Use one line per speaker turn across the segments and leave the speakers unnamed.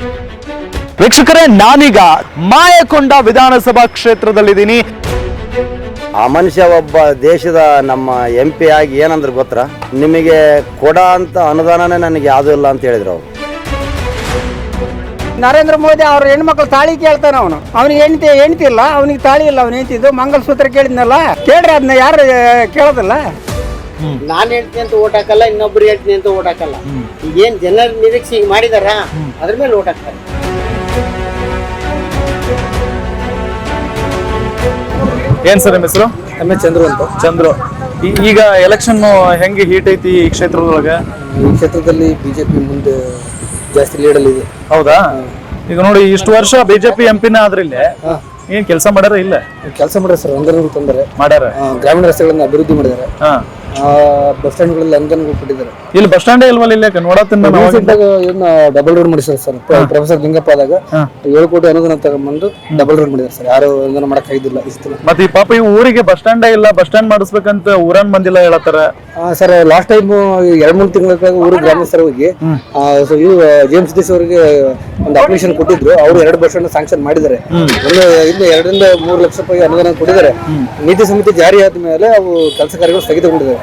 ವೀಕ್ಷಕರೇ, ನಾನೀಗ ಮಾಯಕೊಂಡ ವಿಧಾನಸಭಾ ಕ್ಷೇತ್ರದಲ್ಲಿದ್ದೀನಿ.
ಆ ಮನುಷ್ಯ ಒಬ್ಬ ದೇಶದ ನಮ್ಮ MP ಆಗಿ ಏನಂದ್ರೆ ಗೊತ್ತಾ, ನಿಮಗೆ ಕೊಡ ಅಂತ ಅನುದಾನನೇ ನನಗೆ ಯಾವುದೂ ಇಲ್ಲ ಅಂತ ಹೇಳಿದ್ರು ಅವರು.
ನರೇಂದ್ರ ಮೋದಿ ಅವ್ರ ಹೆಣ್ಮಕ್ಳು ತಾಳಿ ಕೇಳ್ತಾನ, ಅವನಿಗೆ ಹೆಂಡತಿ ಇಲ್ಲ, ಅವನಿಗೆ ತಾಳಿ ಇಲ್ಲ, ಅವ್ನು ಹೆಂಡತಿದ್ದು ಮಂಗಲಸೂತ್ರ ಕೇಳಿದ್ನಲ್ಲ, ಕೇಳ್ರಿ ಅದನ್ನ ಯಾರು ಕೇಳೋದಿಲ್ಲ.
ನಾನು ಹೇಳ್ತೀನಿ ಅಂತ ಓಟ್ ಹಾಕಲ್ಲ, ಇನ್ನೊಬ್ರು ಹೇಳ್ತೀನಿ ಅಂತ ಓಟ್ ಹಾಕಲ್ಲ. ಈಗೇನ್ ಜನರ ನಿರೀಕ್ಷೆ ಈಗ ಮಾಡಿದಾರ ಅದ್ರ ಮೇಲೆ ಓಟ್ ಹಾಕ್ತಾರೆ.
ಏನ್ ಸರ್ ನಿಮ್ಮ ಹೆಸರು?
ಚಂದ್ರು ಅಂತ.
ಚಂದ್ರು, ಈಗ ಎಲೆಕ್ಷನ್ ಹೆಂಗೆ ಹೀಟ್ ಐತಿ ಈ ಕ್ಷೇತ್ರದೊಳಗೆ?
ಈ ಕ್ಷೇತ್ರದಲ್ಲಿ ಬಿಜೆಪಿ ಮುಂದೆ ಜಾಸ್ತಿ ಲೀಡಲ್ಲಿ ಇದೆ.
ಹೌದಾ? ಈಗ ನೋಡಿ, ಇಷ್ಟು ವರ್ಷ ಬಿಜೆಪಿ MP ಆದ್ರೆ ಇಲ್ಲಿ ಏನ್ ಕೆಲಸ ಮಾಡ್ಯಾರ? ಇಲ್ಲ
ಕೆಲಸ ಮಾಡ್ಯಾರ ಸರ್, ಅನುದಾನ ತಂದರೆ
ಮಾಡ್ಯಾರ.
ಗ್ರಾಮೀಣ ರಸ್ತೆಗಳನ್ನ ಅಭಿವೃದ್ಧಿ ಮಾಡಿದ್ದಾರೆ, ಬಸ್ ಸ್ಟ್ಯಾಂಡ್ಗಳಲ್ಲಿ ಅನುದಾನ ಕೊಟ್ಟಿದ್ದಾರೆ.
ಇಲ್ಲಿ ಬಸ್ ಸ್ಟ್ಯಾಂಡ್ ಇಲ್ವಲ್ಲ? ಇಲ್ಲಿ ನೋಡತ್ತೀನಿ
ಡಬಲ್ ರೋಡ್ ಮಾಡಿದ್ದಾರೆ ಸರ್. ಪ್ರೊಫೆಸರ್ ಲಿಂಗಪ್ಪ ಆದಾಗ 7 ಕೋಟಿ ಅನುದಾನ ತಗೊಂಡ್ಬಂದು ಡಬಲ್ ರೋಡ್ ಮಾಡಿದ್ದಾರೆ ಸರ್. ಯಾರು ಅನುದಾನ ಮಾಡಕ್ ಆಗಿದ್ದಿಲ್ಲ ಇಷ್ಟು.
ಮತ್ತೆ ಈ ಪಾಪ ಈ ಊರಿಗೆ ಬಸ್ ಸ್ಟ್ಯಾಂಡ್ ಇಲ್ಲ, ಬಸ್ ಸ್ಟ್ಯಾಂಡ್ ಮಾಡಿಸ್ಬೇಕಂತ ಊರನ್ ಬಂದಿಲ್ಲ ಹೇಳತ್ತಾರ
ಸರ್. ಲಾಸ್ಟ್ ಟೈಮ್ 2-3 ತಿಂಗಳ ಊರು ಗ್ರಾಮಸ್ಥರ ಹೋಗಿ JM ಸಿದ್ದೇಶ್ ಅವರಿಗೆ ಒಂದು ಅಪ್ಲಿಕೇಶನ್ ಕೊಟ್ಟಿದ್ರು. ಅವರು 2 ಬಸ್ ಸ್ಟ್ಯಾಂಡ್ ಸ್ಯಾಂಕ್ಷನ್ ಮಾಡಿದ್ದಾರೆ. ಇನ್ನು 2 ರಿಂದ 3 ಲಕ್ಷ ರೂಪಾಯಿ ಅನುದಾನ ಕೊಟ್ಟಿದ್ದಾರೆ. ನೀತಿ ಸಮಿತಿ ಜಾರಿ ಆದ ಮೇಲೆ ಅವು ಕೆಲಸ ಕಾರ್ಯಗಳು ಸ್ಥಗಿತಗೊಂಡಿದ್ದಾರೆ.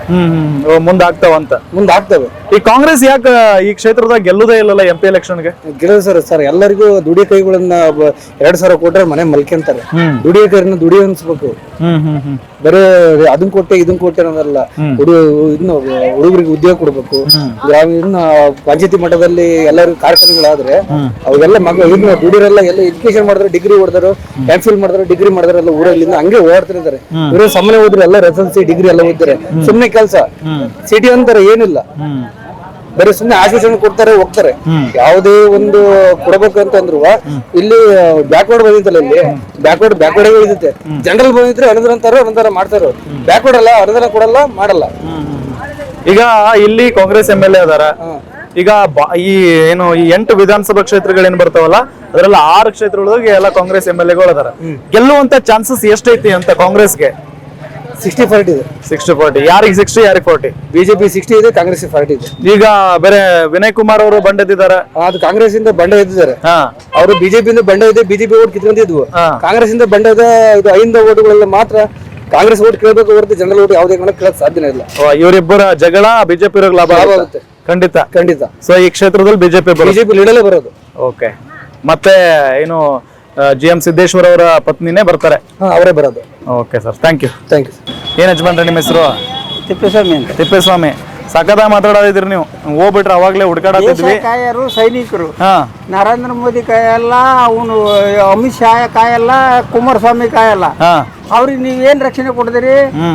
ಮುಂದಾಗ್ತವೆ.
ಈ ಕಾಂಗ್ರೆಸ್ ಯಾಕೆ ಈ ಕ್ಷೇತ್ರದಾಗ ಗೆಲ್ಲುದೇ ಇಲ್ಲಲ್ಲ MP ಎಲೆಕ್ಷನ್ಗೆ?
ಗೆಲ್ಲೋದು ಸರ್, ಎಲ್ಲರಿಗೂ ದುಡಿಯ ಕೈಗಳನ್ನ 2,000 ಕೊಟ್ರೆ ಮನೆ ಮಲ್ಕೊಂತಾರೆ. ದುಡಿಯ ಕೈನ ದುಡಿಯ ಅನ್ಸ್ಬೇಕು. ಬರೀ ಅದನ್ ಕೊಟ್ಟೆ ಇದನ್ ಕೊಟ್ಟೆ ಅನ್ನೋದಲ್ಲ. ಹುಡುಗರಿಗೆ ಉದ್ಯೋಗ ಕೊಡ್ಬೇಕು. ಪಂಚಾಯತಿ ಮಟ್ಟದಲ್ಲಿ ಎಲ್ಲರಿಗೂ ಕಾರ್ಖಾನೆಗಳಾದ್ರೆ ಅವೆಲ್ಲ ಮಕ್ಕಳು ದುಡಿಯರೆಲ್ಲ ಎಲ್ಲ ಎಜುಕೇಶನ್ ಮಾಡಿದ್ರೆ, ಡಿಗ್ರಿ ಹೊಡೆದ್ರು, MPhil ಮಾಡಿದ್ರೆ, ಡಿಗ್ರಿ ಮಾಡಿದ್ರೆ ಎಲ್ಲ ಊರಲ್ಲಿಂದ ಹಂಗೆ ಓಡ್ತಿರ್ತಾರೆ. ಇವರು ಸಾಮಾನ್ಯ ಓದಿದ್ರೆ ಎಲ್ಲ SSLC ಡಿಗ್ರಿ ಎಲ್ಲ ಓದಿದ್ದಾರೆ. ಸುಮ್ನೆ ಕೆಲಸ ಸಿಟಿ ಅಂತಾರೆ ಏನಿಲ್ಲ, ಬರೀ ಸುಮ್ನೆ ಆಶ್ವಾಸನೆ ಕೊಡ್ತಾರೆ, ಹೋಗ್ತಾರೆ. ಯಾವುದೇ ಒಂದು ಕೊಡಬೇಕು ಅಂದ್ರು ಇಲ್ಲಿ ಬ್ಯಾಕ್ವರ್ಡ್ ಬಂದಿತ್ತಲ್ಲ, ಇಲ್ಲಿ ಬ್ಯಾಕ್ವರ್ಡ್ ಇರುತ್ತೆ. ಜನರಲ್ ಬಂದಿದ್ರೆ ಅನುದಾನ ಮಾಡ್ತಾರೋ. ಬ್ಯಾಕ್ವರ್ಡ್ ಅಲ್ಲ, ಅನುದಾನ ಕೊಡಲ್ಲ, ಮಾಡಲ್ಲ.
ಈಗ ಇಲ್ಲಿ ಕಾಂಗ್ರೆಸ್ MLA ಅದಾರ. ಈಗ ಈ ಏನು ಈ 8 ವಿಧಾನಸಭಾ ಕ್ಷೇತ್ರಗಳೇನ್ ಬರ್ತಾವಲ್ಲ, ಅದ್ರಲ್ಲಿ 6 ಕ್ಷೇತ್ರಗಳಿಗೆ ಎಲ್ಲ ಕಾಂಗ್ರೆಸ್ MLA ಅದಾರ. ಗೆಲ್ಲುವಂತ ಚಾನ್ಸಸ್ ಎಷ್ಟೈತಿ ಅಂತ ಕಾಂಗ್ರೆಸ್ಗೆ?
60-40 ಇದೆ.
60-40. ಯಾರಿಗೆ 60 ಯಾರಿಗೆ 40?
ಬಿಜೆಪಿ 60 ಇದೆ, ಕಾಂಗ್ರೆಸ್ 40 ಇದೆ.
ಈಗ ಬೇರೆ ವಿನಯ್ ಕುಮಾರ್ ಅವರು ಬಂಡ ಎದ್ದಿದ್ದಾರೆ.
ಅದು ಕಾಂಗ್ರೆಸ್ ಇಂದ ಬಂಡ ಎದ್ದಿದ್ದಾರೆ. ಅವರು ಬಿಜೆಪಿ ಇಂದ ಬಂಡ ಇದೆ, ಬಿಜೆಪಿ ಓಟ್ ಕಿತ್ಕೊಂಡಿದ್ವು. ಕಾಂಗ್ರೆಸ್ ಇಂದ ಬಂಡ ಇದೆ. ಇದು 5 ಓಟ್ಗಳೆಲ್ಲ ಮಾತ್ರ ಕಾಂಗ್ರೆಸ್ ಓಟ್ ಕೇಳಬೇಕು ಹೊರತು ಜನರಲ್ ಓಟ್ ಯಾವುದೇ ಕೇಳಕ್ ಸಾಧ್ಯನೇ ಇಲ್ಲ.
ಇವರಿಬ್ಬರ ಜಗಳ ಬಿಜೆಪಿ ಲಾಭ ಆಗುತ್ತೆ. ಖಂಡಿತ. ಸೊ ಈ ಕ್ಷೇತ್ರದಲ್ಲಿ ಬಿಜೆಪಿ
ಲೀಡಲ್ಲೇ ಬರೋದು.
ಓಕೆ. ಮತ್ತೆ ಏನು JM ಸಿದ್ದೇಶ್ವರ ಅವರ ಪತ್ನಿನೇ ಬರ್ತಾರೆ?
ಅವರೇ ಬರೋದು.
Okay sir, thank you. ಏನ್ ಯಜಮಾನ್ರೆ ನಿಮ್ಮ ಹೆಸರು?
ತಿಪ್ಪೇಸ್ವಾಮಿ ಅಂತ.
ತಿಪ್ಪೇಸ್ವಾಮಿ, ಸಖತ್ತಾಗಿ ಮಾತಾಡೋದಿದ್ರಿ ನೀವು. ಹೋಗ್ಬಿಟ್ರೆ ಅವಾಗ್ಲೇ ಹುಡುಕಾಡತ್ತಿದ್ವಿ.
ಕಾಯರು ಸೈನಿಕರು. ನರೇಂದ್ರ ಮೋದಿ ಕಾಯಲ್ಲ, ಅವನು ಅಮಿತ್ ಶಾ ಕಾಯಲ್ಲ, ಕುಮಾರಸ್ವಾಮಿ ಕಾಯಲ್ಲ. ಅವ್ರಿಗೆ ನೀವ್ ಏನ್ ರಕ್ಷಣೆ ಕೊಡಿದಿರಿ?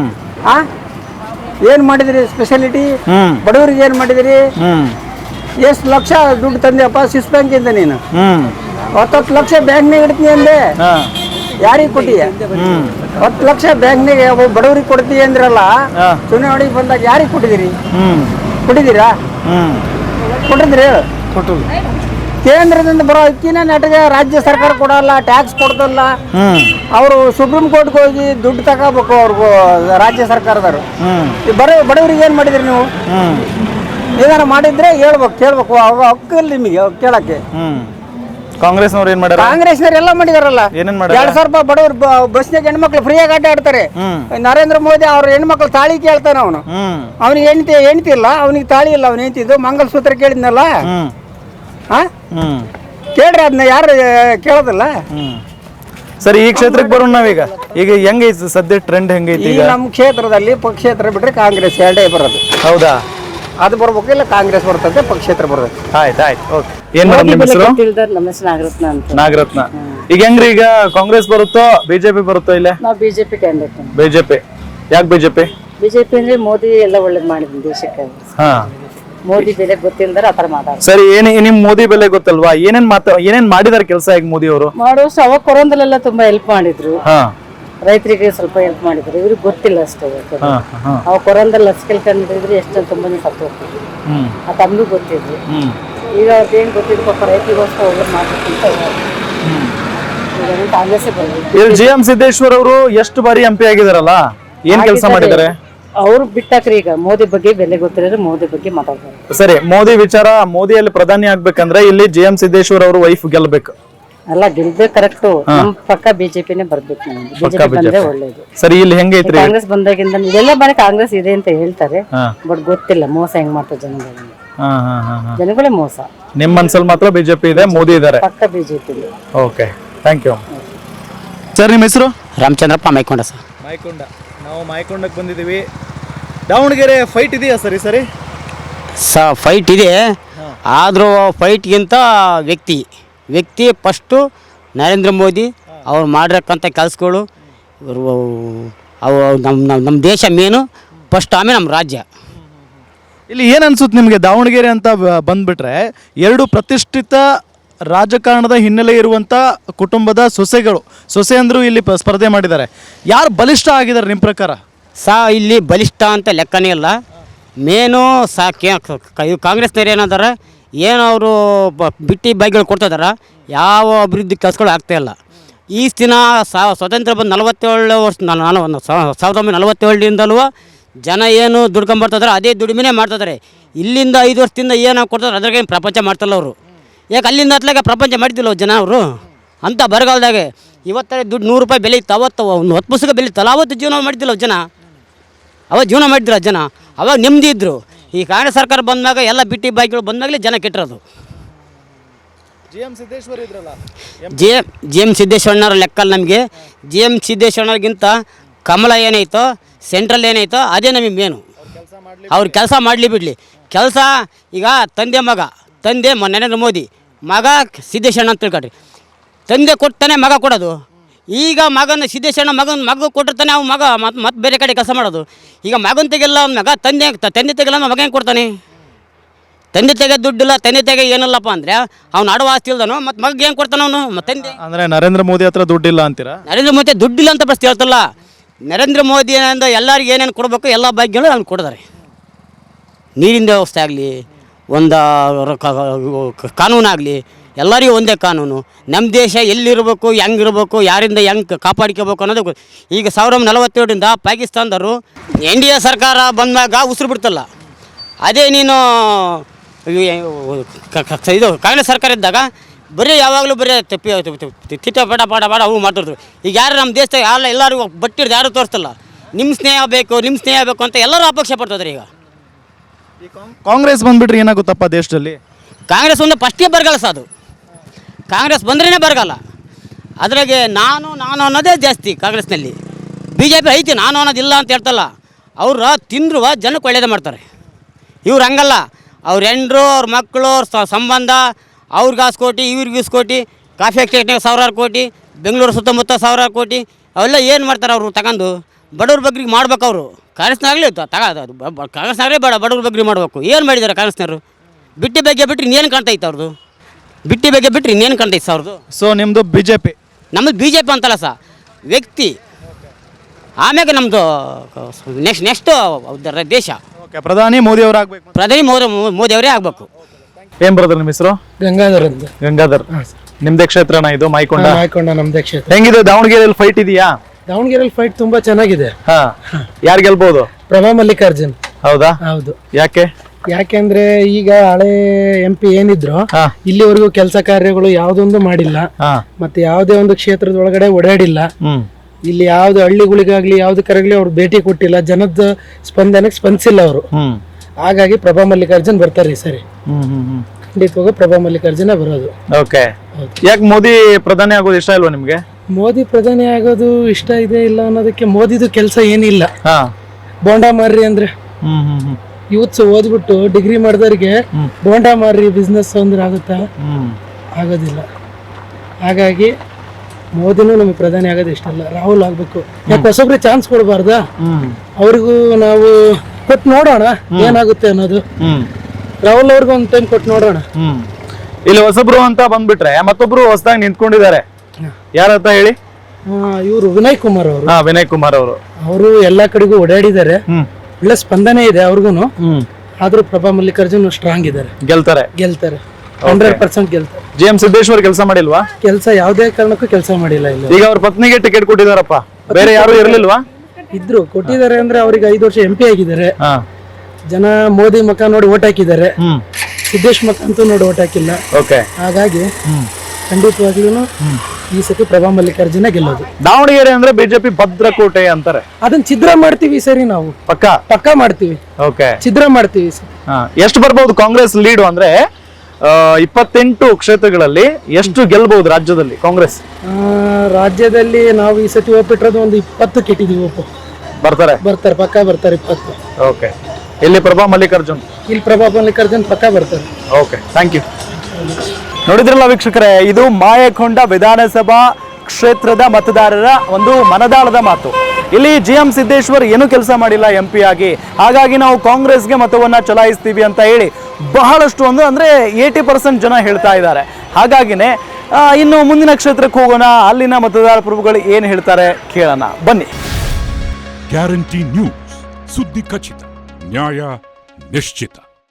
ಏನ್ ಮಾಡಿದಿರಿ ಸ್ಪೆಷಾಲಿಟಿ? ಬಡವರಿಗೆ ಏನ್ ಮಾಡಿದಿರಿ? ಎಷ್ಟು ಲಕ್ಷ ದುಡ್ಡು ತಂದೆಯಪ್ಪ ಸ್ವಿಸ್ ಬ್ಯಾಂಕ್ ಇಂದ ನೀನು? 10 ಲಕ್ಷ ಬ್ಯಾಂಕ್ನಾಗ ಇಡ್ತೀನಿ ಅಂದೆ, ಯಾರಿಗೆ ಕೊಟ್ಟಿಯ? 10 ಲಕ್ಷ ಬ್ಯಾಂಕ್ನಾಗ ಬಡವರಿಗೆ ಕೊಡ್ತೀವಿ ಅಂದ್ರಲ್ಲ, ಚುನಾವಣೆಗೆ ಬಂದಾಗ ಯಾರಿಗೆ ಕೊಟ್ಟಿದ್ದೀರಿ? ಕೊಟ್ಟಿದ್ದೀರಾ? ಕೊಟ್ಟಿದ್ರಿ? ಕೇಂದ್ರದಿಂದ ಬರೋ ಅಕ್ಕಿನ ನೆಟ್ಗೆ ರಾಜ್ಯ ಸರ್ಕಾರ ಕೊಡಲ್ಲ, ಟ್ಯಾಕ್ಸ್ ಕೊಡ್ತಲ್ಲ. ಅವರು ಸುಪ್ರೀಂ ಕೋರ್ಟ್ಗೆ ಹೋಗಿ ದುಡ್ಡು ತಗೋಬೇಕು ಅವ್ರಿಗೂ, ರಾಜ್ಯ ಸರ್ಕಾರದವರು. ಬಡವರಿಗೆ ಏನ್ ಮಾಡಿದ್ರಿ ನೀವು? ಏನಾರ ಮಾಡಿದ್ರೆ ಕೇಳ್ಬೇಕು. ಹಕ್ಕಿಲ್ಲ ನಿಮಗೆ ಕೇಳಕ್ಕೆ.
ಕಾಂಗ್ರೆಸ್ನವ್ರು ಏನ್ ಮಾಡ್ಯಾರ?
ಕಾಂಗ್ರೆಸ್ನವ್ರು ಎಲ್ಲ ಮಾಡಿದಾರಲ್ಲ. 2,000 ರೂಪಾಯಿ ಬಡವರು ಬಸ್ನಾಗ ಹೆಣ್ಮಕ್ಳು ಫ್ರೀಯಾಗಿ ಆಟ ಆಡ್ತಾರೆ. ನರೇಂದ್ರ ಮೋದಿ ಅವ್ರ ಹೆಣ್ಮಕ್ಳು ತಾಳಿ ಕೇಳ್ತಾನ, ಅವನಿಗೆ ಹೆಂಡತಿ ಇಲ್ಲ, ಅವನಿಗೆ ತಾಳಿ ಇಲ್ಲ, ಅವ್ನ ಹೆಂಡತಿದ್ದು ಮಂಗಲಸೂತ್ರ ಕೇಳಿದ್ನಲ್ಲ. ಕೇಳ್ರಿ ಅದನ್ನ ಯಾರು ಕೇಳೋದಿಲ್ಲ.
ಸರಿ, ಈ ಕ್ಷೇತ್ರಕ್ಕೆ ಬರೋಣ ನಾವೀಗ. ಈಗ ಹೆಂಗೈತಿ ಸದ್ಯ ಟ್ರೆಂಡ್? ಹೆಂಗೈತಿ
ಈಗ ನಮ್ಮ ಕ್ಷೇತ್ರದಲ್ಲಿ? ಪಕ್ಷೇತರ ಬಿಟ್ರೆ ಕಾಂಗ್ರೆಸ್ 2 ಬರೋದು.
ಹೌದಾ?
ಅದು ಬರ್ಬೇಕು, ಇಲ್ಲ ಕಾಂಗ್ರೆಸ್ ಬರ್ತದೆ, ಪಕ್ಷೇತರ ಬರ್ತದೆ.
ಆಯ್ತು. ಓಕೆ. ಏನ್ ಮೇಡಮ್ ನಿಮ್ಮ ಹೆಸರು?
ನಾಗರತ್ನ ಅಂತ.
ನಾಗರತ್ನ. ಈಗ ಹೆಂಗ್ರಿ, ಈಗ ಕಾಂಗ್ರೆಸ್ ಬರುತ್ತೋ ಬಿಜೆಪಿ ಬರುತ್ತೋ? ಇಲ್ಲ,
ನಾವು ಬಿಜೆಪಿ ಕ್ಯಾಂಡಿಡೇಟ್.
ಬಿಜೆಪಿ. ಯಾಕೆ ಬಿಜೆಪಿ?
ಬಿಜೆಪಿ ಅಂದ್ರೆ ಮೋದಿ ಎಲ್ಲ ಒಳ್ಳೇದ್ ಮಾಡಿದ್ರು ದೇಶಕ್ಕೆ. ಮೋದಿ ಬೆಲೆ ಗೊತ್ತಿಲ್ದಾರ ಆತರ ಮಾತಾಡ್ತಾರೆ.
ಸರಿ, ನಿಮ್ ಮೋದಿ ಬೆಲೆ ಗೊತ್ತಲ್ವಾ? ಏನೇನ್ ಮಾಡಿದಾರೆ ಕೆಲಸ ಈಗ ಮೋದಿ ಅವರು?
ಮಾಡೋಷ್ಟು ಅವಾಗ ಕೊರೋನಾದಲ್ಲೆಲ್ಲ ತುಂಬಾ ಹೆಲ್ಪ್ ಮಾಡಿದ್ರು. ರೈತರಿಗೆ ಸ್ವಲ್ಪ ಹೆಲ್ಪ್ ಮಾಡಿದ್ರು. ಇವ್ರಿಗೆ ಗೊತ್ತಿಲ್ಲ ಅಷ್ಟೇ. ಅವಾಗ ಕೊರೋನಾದಲ್ಲಿ ಲಸಿಕೆ ಕಂಡಿದ್ರೆ ಎಷ್ಟು ತುಂಬಾ ಸತ್ತು ಹೋಗ್ತಿದ್ರು. ಆ ತಮ್ಗೂ ಗೊತ್ತಿದ್ರು. ಈಗ ಅವ್ರಿಗೆ ಏನ್ ಗೊತ್ತಿದ್ರು, ಪಾಪ ರೈತರಿಗೋಸ್ಕರ ಹೋಗಿ ಮಾಡ್ಬೇಕಂತ ಕಾಂಗ್ರೆಸ್ ಬಂದ್ರು.
JM ಸಿದ್ದೇಶ್ವರ ಅವರು ಎಷ್ಟು ಬಾರಿ MP ಆಗಿದಾರಲ್ಲ, ಏನ್ ಕೆಲಸ ಮಾಡಿದ್ದಾರೆ?
ಅವ್ರು ಬಿಟ್ಟಾಕ್ರಿ ಈಗ ಮೋದಿ ಬಗ್ಗೆ ಬೆಲೆ ಗೊತ್ತಿರೋರು ಮೋದಿ ಬಗ್ಗೆ ಮಾತಾಡ್ತಾರೆ.
ಸರಿ, ಮೋದಿ ವಿಚಾರ, ಮೋದಿಯಲ್ಲಿ ಪ್ರಧಾನಿ ಆಗ್ಬೇಕಂದ್ರೆ ಇಲ್ಲಿ GM ಸಿದ್ದೇಶ್ವರ್ ಅವರು ವೈಫ್ ಗೆಲ್ಬೇಕು.
ಅಲ್ಲ ಗೆಲ್ದೆ ಕರೆಕ್ಟ್. ನಮ್ ಪಕ್ಕ ಬಿಜೆಪಿನೇ ಬರ್ಬೇಕು. ನಮ್ಗೆ ಬಿಜೆಪಿ ಬಂದ್ರೆ ಒಳ್ಳೇದು.
ಸರಿ, ಇಲ್ಲಿ ಹೆಂಗೈತ್ರಿ?
ಕಾಂಗ್ರೆಸ್ ಬಂದಾಗಿಂದ ಇದೆಲ್ಲ ಬಾರಿ ಕಾಂಗ್ರೆಸ್ ಇದೆ ಅಂತ ಹೇಳ್ತಾರೆ, ಬಟ್ ಗೊತ್ತಿಲ್ಲ ಮೋಸ ಹೆಂಗ್ ಮಾಡ್ತಾರೆ ಜನಗಳಿಗೆ. ಜನಗಳೇ ಮೋಸ.
ನಿಮ್ ಮನ್ಸಲ್ಲಿ ಮಾತ್ರ ಬಿಜೆಪಿ ಇದೆ, ಮೋದಿ ಇದಾರೆ,
ಪಕ್ಕ BJP.
Okay, thank you sir. ನಿಮ್ಮ ಹೆಸರು?
ರಾಮಚಂದ್ರಪ್ಪ ಮೈಕೊಂಡ ಸರ್.
ಮಾಯಕೊಂಡ. ನಾವು ಮಾಯಕೊಂಡಕ್ಕೆ ಬಂದಿದ್ದೀವಿ. ದಾವಣಗೆರೆ ಫೈಟ್ ಇದೆಯಾ ಸರಿ? ಸರಿ
ಫೈಟ್ ಇದೆ, ಆದರೂ ಫೈಟ್ಗಿಂತ ವ್ಯಕ್ತಿ ಫಸ್ಟು ನರೇಂದ್ರ ಮೋದಿ ಅವ್ರು ಮಾಡಿರಕ್ಕಂಥ ಕೆಲಸಗಳು, ಅವು ನಮ್ಮ ದೇಶ ಮೇನು ಫಸ್ಟ್, ಆಮೇಲೆ ನಮ್ಮ ರಾಜ್ಯ.
ಇಲ್ಲಿ ಏನು ಅನ್ಸುತ್ತೆ ನಿಮಗೆ? ದಾವಣಗೆರೆ ಅಂತ ಬಂದ್ಬಿಟ್ರೆ ಎರಡು ಪ್ರತಿಷ್ಠಿತ ರಾಜಕಾರಣದ ಹಿನ್ನೆಲೆ ಇರುವಂಥ ಕುಟುಂಬದ ಸೊಸೆ ಅಂದರೂ ಇಲ್ಲಿ ಸ್ಪರ್ಧೆ ಮಾಡಿದ್ದಾರೆ. ಯಾರು ಬಲಿಷ್ಠ ಆಗಿದ್ದಾರೆ ನಿಮ್ಮ ಪ್ರಕಾರ?
ಇಲ್ಲಿ ಬಲಿಷ್ಠ ಅಂತ ಲೆಕ್ಕನೇ ಇಲ್ಲ. ಮೇನು ಕಾಂಗ್ರೆಸ್ನವ್ರು ಏನಾದಾರ ಏನು ಅವರು ಬಿಟ್ಟಿ ಬೈಗಳು ಕೊಡ್ತಿದಾರ, ಯಾವ ಅಭಿವೃದ್ಧಿ ಕೆಲಸಗಳು ಆಗ್ತಾಯಿಲ್ಲ. ಈ ದಿನ ಸ್ವತಂತ್ರ ಬಂದು 47 ವರ್ಷ 1947ರಿಂದಲೂ ಜನ ಏನು ದುಡ್ಕೊಂಬರ್ತಿದಾರೆ ಅದೇ ದುಡಿಮೆನೇ ಮಾಡ್ತಿದ್ದಾರೆ. ಇಲ್ಲಿಂದ 5 ವರ್ಷದಿಂದ ಏನು ಕೊಡ್ತಾರೆ ಅದ್ರಾಗೆ ಪ್ರಪಂಚ ಮಾಡ್ತಿಲ್ಲ ಅವರು. ಯಾಕೆ ಅಲ್ಲಿಂದ ಹತ್ಲಾಗ ಪ್ರಪಂಚ ಮಾಡ್ತಿಲ್ಲ ಜನ ಅವರು ಅಂತ ಬರಗಾಲದಾಗೆ. ಇವತ್ತೇ ದುಡ್ಡು 100 ರೂಪಾಯಿ ಬೆಲೆ ಇತ್ತು, ಅವತ್ತು ಒಂದು 10 ಪುಸ್ತಕ ಬೆಲೆ ಇತ್ತಲ್ಲ, ಅವತ್ತು ಜೀವನ ಮಾಡ್ತಿಲ್ಲ ಜನ. ಅವಾಗ ಜೀವನ ಮಾಡ್ತಿಲ್ಲ ಜನ, ಅವಾಗ ನೆಮ್ಮದಿ ಇದ್ದರು. ಈ ಕಾಂಗ್ರೆಸ್ ಸರ್ಕಾರ ಬಂದಾಗ ಎಲ್ಲ ಬಿಟ್ಟಿ ಬಾಯಿಗಳು ಬಂದಾಗಲೇ ಜನ ಕೆಟ್ಟಿರೋದು.
GM ಸಿದ್ದೇಶ್ವರ್ ಇದ್ರಲ್ಲ,
GM ಸಿದ್ದೇಶ್ವರಣ್ಣವ್ರ ಲೆಕ್ಕಲ್ಲಿ ನಮಗೆ GM ಸಿದ್ದೇಶ್ವರಣ್ಣವ್ರಿಗಿಂತ ಕಮಲ ಏನೈತೋ, ಸೆಂಟ್ರಲ್ ಏನೈತೋ ಅದೇ ನಮಗೆ ಮೇನು. ಅವ್ರು ಕೆಲಸ ಮಾಡಲಿ ಬಿಡಲಿ, ಕೆಲಸ ಈಗ ತಂದೆ ನರೇಂದ್ರ ಮೋದಿ, ಮಗ ಸಿದ್ದೇಶ್ವರಣ್ಣ ಅಂತ ತಿಳ್ಕೊಳ್ರಿ. ತಂದೆ ಕೊಡ್ತಾನೆ ಮಗ ಕೊಡೋದು. ಈಗ ಮಗನ ಸಿದ್ದೇಶ್ವರಣ್ಣ ಮಗ ಕೊಟ್ಟಿರ್ತಾನೆ, ಅವ್ನು ಮಗ ಮತ್ತೆ ಬೇರೆ ಕಡೆ ಕೆಲಸ ಮಾಡೋದು. ಈಗ ಮಗನ ತೆಗೆಲ್ಲ ಅವ್ನ ಮಗ ತಂದೆ ತೆಗೆಲ್ಲ ಮಗ ಹೆಂಗೆ ಕೊಡ್ತಾನೆ? ತಂದೆ ತೆಗೆ ದುಡ್ಡಿಲ್ಲ, ತಂದೆ ತೆಗೆ ಏನಿಲ್ಲಪ್ಪ ಅಂದರೆ ಅವ್ನು ಆಡುವ ಆಸ್ತಿ ಇಲ್ದಾನು, ಮತ್ತು ಮಗ ಏನು ಕೊಡ್ತಾನೆ ಅವನು? ಮತ್ತು ತಂದೆ
ಅಂದರೆ ನರೇಂದ್ರ ಮೋದಿ ಹತ್ರ ದುಡ್ಡಿಲ್ಲ ಅಂತೀರಾ?
ನರೇಂದ್ರ ಮೋದಿ ದುಡ್ಡಿಲ್ಲ ಅಂತ ಪ್ರಶ್ನೆ ಹೇಳ್ತಲ್ಲ. ನರೇಂದ್ರ ಮೋದಿ ಏನಿಂದ ಎಲ್ಲರಿಗೆ ಏನೇನು ಕೊಡಬೇಕು ಎಲ್ಲ ಭಾಗ್ಯಗಳು ಅವ್ನು ಕೊಡ್ತಾರೆ. ನೀರಿನ ವ್ಯವಸ್ಥೆ ಆಗಲಿ, ಒಂದು ಕಾನೂನಾಗಲಿ, ಎಲ್ಲರಿಗೂ ಒಂದೇ ಕಾನೂನು. ನಮ್ಮ ದೇಶ ಎಲ್ಲಿರಬೇಕು, ಹೆಂಗಿರ್ಬೇಕು, ಯಾರಿಂದ ಹೆಂಗೆ ಕಾಪಾಡ್ಕೋಬೇಕು ಅನ್ನೋದು. ಈಗ 1947ರಿಂದ ಪಾಕಿಸ್ತಾನದವರು NDA ಸರ್ಕಾರ ಬಂದಾಗ ಉಸಿರು ಬಿಡ್ತಲ್ಲ, ಅದೇ ನೀನು ಇದು ಕಾಂಗ್ರೆಸ್ ಸರ್ಕಾರ ಇದ್ದಾಗ ಬರೀ ಯಾವಾಗಲೂ ಬರೀ ತಿಟ್ಟ ಪಾಡ ಅವು ಮಾಡ್ತಿದ್ರು. ಈಗ ಯಾರು ನಮ್ಮ ದೇಶದಾಗ ಎಲ್ಲರಿಗೂ ಬಟ್ಟಿರ್ದು ಯಾರು ತೋರಿಸ್ತಲ್ಲ. ನಿಮ್ಮ ಸ್ನೇಹ ಬೇಕು ಅಂತ ಎಲ್ಲರೂ ಅಪೇಕ್ಷೆ ಪಡ್ತಿದ್ರು. ಈಗ
ಕಾಂಗ್ರೆಸ್ ಬಂದ್ಬಿಟ್ರೆ ಏನಾಗುತ್ತಪ್ಪ ದೇಶದಲ್ಲಿ?
ಕಾಂಗ್ರೆಸ್ ಒಂದು ಫಸ್ಟೇ ಬರಗಾಲ ಅದು. ಕಾಂಗ್ರೆಸ್ ಬಂದ್ರೇ ಬರಗಾಲ. ಅದ್ರಾಗೆ ನಾನು ಅನ್ನೋದೇ ಜಾಸ್ತಿ ಕಾಂಗ್ರೆಸ್ನಲ್ಲಿ. BJP ಐತಿ, ನಾನು ಅನ್ನೋದಿಲ್ಲ ಅಂತ ಹೇಳ್ತಲ್ಲ. ಅವ್ರು ತಿಂದ್ರು ಜನಕ್ಕೆ ಒಳ್ಳೇದೇ ಮಾಡ್ತಾರೆ. ಇವ್ರು ಹಂಗಲ್ಲ. ಅವ್ರ ಹೆಂಡ್ರು, ಅವ್ರ ಮಕ್ಕಳು, ಅವ್ರ ಸಂಬಂಧ, ಅವ್ರಿಗೆ 10 ಕೋಟಿ, ಇವ್ರಿಗೆ 20 ಕೋಟಿ, ಕಾಫಿ ಎಕ್ಸ್ಟೇಟ್ನಾಗ 1000 ಕೋಟಿ, ಬೆಂಗಳೂರು ಸುತ್ತಮುತ್ತ 1000 ಕೋಟಿ, ಅವೆಲ್ಲ ಏನು ಮಾಡ್ತಾರೆ ಅವರು ತಗೊಂಡು? ಬಡವ್ರ ಬಗ್ರಿಗೆ ಮಾಡ್ಬೇಕು ಅವರು. ಕಾಂಗ್ರೆಸ್ನಾಗಲಿ ಕಾಂಗ್ರೆಸ್ನಾಗಲೇ ಬಡವ್ರ ಬಗ್ರಿ ಮಾಡಬೇಕು. ಏನು ಮಾಡಿದ್ದಾರೆ ಕಾಂಗ್ರೆಸ್ನವರು? ಬಿಟ್ಟಿ ಬಗ್ಗೆ ಬಿಟ್ಟರೆ ಇನ್ನೇನು ಕಾಣ್ತೈತೆ ಅವ್ರದ್ದು? ಬಿಟ್ಟಿ ಬಗ್ಗೆ ಬಿಟ್ಟರೆ ಇನ್ನೇನು ಕಾಣ್ತೈತೆ ಅವ್ರದ್ದು?
ಸೊ ನಿಮ್ಮದು BJP?
ನಮ್ಮದು BJP ಅಂತಲ್ಲ ವ್ಯಕ್ತಿ. ಆಮ್ಯಾಗ ನಮ್ಮದು ನೆಕ್ಸ್ಟ್ ದೇಶ.
ಓಕೆ, ಪ್ರಧಾನಿ ಮೋದಿ ಅವರು ಆಗಬೇಕು.
ಪ್ರಧಾನಿ ಮೋದಿ ಅವರೇ ಆಗಬೇಕು.
ಏನು ಬ್ರದರ್ ನಿಮ್ಮ ಹೆಸರು?
ಗಂಗಾಧರ್ ಅಂತ.
ಗಂಗಾಧರ್, ನಿಮ್ದೇ ಕ್ಷೇತ್ರನ ಇದು? ಮಾಯಕೊಂಡ
ನಮ್ದೇ ಕ್ಷೇತ್ರ.
ಹೆಂಗಿದೆ ದಾವಣಗೆರೆಯಲ್ಲಿ ಫೈಟ್ ಇದೆಯಾ?
ದಾವಣಗೆರೆಯಲ್ಲಿ ಫೈಟ್ ತುಂಬಾ ಚೆನ್ನಾಗಿದೆ.
ಯಾರು ಗೆಲ್ಬಹುದು?
ಪ್ರಭಾ ಮಲ್ಲಿಕಾರ್ಜುನ್.
ಹೌದಾ?
ಹೌದು.
ಯಾಕೆಂದ್ರೆ
ಈಗ ಹಳೆ MP ಏನಿದ್ರು ಇಲ್ಲಿವರೆಗೂ ಕೆಲಸ ಕಾರ್ಯಗಳು ಯಾವ್ದೊಂದು ಮಾಡಿಲ್ಲ, ಮತ್ತೆ ಯಾವುದೇ ಒಂದು ಕ್ಷೇತ್ರದ ಒಳಗಡೆ ಓಡಾಡಿಲ್ಲ. ಇಲ್ಲಿ ಯಾವ್ದು ಹಳ್ಳಿಗಳಿಗಾಗ್ಲಿ ಯಾವ್ದಕ್ಕಾಗ್ಲಿ ಅವ್ರು ಭೇಟಿ ಕೊಟ್ಟಿಲ್ಲ, ಜನದ ಸ್ಪಂದನೆಗೆ ಸ್ಪಂದಿಸಿಲ್ಲ ಅವರು. ಹಾಗಾಗಿ ಪ್ರಭಾ ಮಲ್ಲಿಕಾರ್ಜುನ್ ಬರ್ತಾರೆ ಈ ಸರಿ. ಖಂಡಿತವಾಗ ಪ್ರಭಾ ಮಲ್ಲಿಕಾರ್ಜುನ ಬರೋದು.
ಓಕೆ, ಯಾಕೆ ಮೋದಿ ಪ್ರಧಾನಿ ಆಗೋದು ಇಷ್ಟ ಇಲ್ವಾ ನಿಮ್ಗೆ?
ಮೋದಿ ಪ್ರಧಾನಿ ಆಗೋದು ಇಷ್ಟ ಇದೆ ಇಲ್ಲ ಅನ್ನೋದಕ್ಕೆ ಮೋದಿದು ಕೆಲಸ ಏನಿಲ್ಲ. ಬೋಂಡಾ ಮಾರ್ರಿ ಅಂದ್ರೆ ಯೂತ್ಸ್ ಓದ್ಬಿಟ್ಟು ಡಿಗ್ರಿ ಮಾಡಿದವ್ರಿಗೆ ಬೋಂಡಾ ಮಾರ್ರಿ ಬಿಸ್ನೆಸ್ ಅಂದ್ರೆ ಆಗುತ್ತಾ? ಆಗೋದಿಲ್ಲ. ಹಾಗಾಗಿ ಮೋದಿನೂ ನಮಗೆ ಪ್ರಧಾನಿ ಆಗೋದು ಇಷ್ಟ ಇಲ್ಲ. ರಾಹುಲ್ ಆಗ್ಬೇಕು. ಯಾಕೆ ಹೊಸಬ್ರಿಗೆ ಚಾನ್ಸ್ ಕೊಡಬಾರ್ದಾ? ಅವ್ರಿಗೂ ನಾವು ಕೊಟ್ಟು ನೋಡೋಣ ಏನಾಗುತ್ತೆ ಅನ್ನೋದು. ರಾಹುಲ್ ಅವ್ರಿಗೂ ಒಂದು ಟೈಮ್ ಕೊಟ್ಟು ನೋಡೋಣ.
ಇಲ್ಲಿ ಹೊಸಬ್ರು ಅಂತ ಬಂದ್ಬಿಟ್ರೆ ಮತ್ತೊಬ್ರು ಹೊಸದಾಗಿ ನಿಂತ್ಕೊಂಡಿದ್ದಾರೆ. ಯಾರಂತ ಹೇಳಿ?
ಇವರು ವಿನಯ್ ಕುಮಾರ್ ಅವರು.
ವಿನಯ್ ಕುಮಾರ್ ಅವರು
ಎಲ್ಲಾ ಕಡೆಗೂ ಓಡಾಡಿದ್ದಾರೆ, ಒಳ್ಳೆ ಸ್ಪಂದನೆ ಇದೆ ಅವ್ರಿಗೂ. ಆದ್ರೂ ಪ್ರಭಾ ಮಲ್ಲಿಕಾರ್ಜುನ್ ಸ್ಟ್ರಾಂಗ್ ಇದ್ದಾರೆ, ಗೆಲ್ತಾರೆ 100% ಗೆಲ್ತಾರೆ.
GM ಸಿದ್ದೇಶ್ವರ್ ಕೆಲಸ ಮಾಡಿಲ್ವಾ?
ಕೆಲಸ ಯಾವುದೇ ಕಾರಣಕ್ಕೂ ಕೆಲಸ ಮಾಡಿಲ್ಲ. ಇಲ್ಲ
ಈಗ ಅವ್ರ ಪತ್ನಿಗೆ ಟಿಕೆಟ್ ಕೊಟ್ಟಿದಾರಪ್ಪ, ಬೇರೆ ಯಾರು ಇರ್ಲಿಲ್ವಾ?
ಇದ್ರು ಕೊಟ್ಟಿದ್ದಾರೆ ಅಂದ್ರೆ ಅವ್ರಿಗೆ 5 ವರ್ಷ MP ಆಗಿದ್ದಾರೆ.
ಹಾ
ಜನ ಮೋದಿ ಮುಖ ನೋಡಿ ಓಟ್ ಹಾಕಿದ್ದಾರೆ.
ಹ್ಮ್
ಸಿದ್ದೇಶ್ ಮುಖ ಅಂತೂ ನೋಡಿ ಓಟ್ ಹಾಕಿಲ್ಲ.
ಓಕೆ
ಹಾಗಾಗಿ ಖಂಡಿತವಾಗ್ಲೂ ಈ ಸತಿ ಪ್ರಭಾ ಮಲ್ಲಿಕಾರ್ಜುನ ಗೆಲ್ಲೋದು.
ದಾವಣಗೆರೆ ಅಂದ್ರೆ ಬಿಜೆಪಿ ಭದ್ರಕೋಟೆ ಅಂತಾರೆ.
ಅದನ್ನ ಛಿದ್ರ ಮಾಡ್ತೀವಿ ಈ ಸರಿ, ನಾವು ಪಕ್ಕ ಮಾಡ್ತೀವಿ.
ಓಕೆ
ಛಿದ್ರ ಮಾಡ್ತೀವಿ ಈ ಸರಿ.
ಎಷ್ಟು ಬರ್ಬಹುದು ಕಾಂಗ್ರೆಸ್ ಲೀಡು ಅಂದ್ರೆ 28 ಕ್ಷೇತ್ರಗಳಲ್ಲಿ ಎಷ್ಟು ಗೆಲ್ಬಹುದು ರಾಜ್ಯದಲ್ಲಿ ಕಾಂಗ್ರೆಸ್?
ರಾಜ್ಯದಲ್ಲಿ ನಾವು ಈ ಸತಿ ಒಪ್ಪಿಟ್ಟಿರೋದು ಒಂದು 20 ಕೆಟ್ಟಿದೀವಿ.
ಬರ್ತಾರೆ
ಪಕ್ಕ ಬರ್ತಾರೆ 20.
ಓಕೆ. ಇಲ್ಲಿ ಪ್ರಭಾ ಮಲ್ಲಿಕಾರ್ಜುನ್,
ಇಲ್ಲಿ ಪ್ರಭಾ ಮಲ್ಲಿಕಾರ್ಜುನ್ ಪಕ್ಕ ಬರ್ತಾರೆ.
Okay, thank you. ನೋಡಿದ್ರಲ್ಲ ವೀಕ್ಷಕರೇ, ಇದು ಮಾಯಕೊಂಡ ವಿಧಾನಸಭಾ ಕ್ಷೇತ್ರದ ಮತದಾರರ ಒಂದು ಮನದಾಳದ ಮಾತು. ಇಲ್ಲಿ GM ಸಿದ್ದೇಶ್ವರ್ ಏನೂ ಕೆಲಸ ಮಾಡಿಲ್ಲ MP ಆಗಿ, ಹಾಗಾಗಿ ನಾವು ಕಾಂಗ್ರೆಸ್ಗೆ ಮತವನ್ನ ಚಲಾಯಿಸ್ತೀವಿ ಅಂತ ಹೇಳಿ ಬಹಳಷ್ಟು ಅಂದ್ರೆ 80% ಜನ ಹೇಳ್ತಾ ಇದ್ದಾರೆ. ಹಾಗಾಗಿನೇ ಇನ್ನು ಮುಂದಿನ ಕ್ಷೇತ್ರಕ್ಕೆ ಹೋಗೋಣ, ಅಲ್ಲಿನ ಮತದಾರ ಪ್ರಭುಗಳು ಏನು ಹೇಳ್ತಾರೆ ಕೇಳೋಣ ಬನ್ನಿ.
ಗ್ಯಾರಂಟಿ ನ್ಯೂಸ್, ಸುದ್ದಿ ಖಚಿತ, ನ್ಯಾಯ ನಿಶ್ಚಿತ.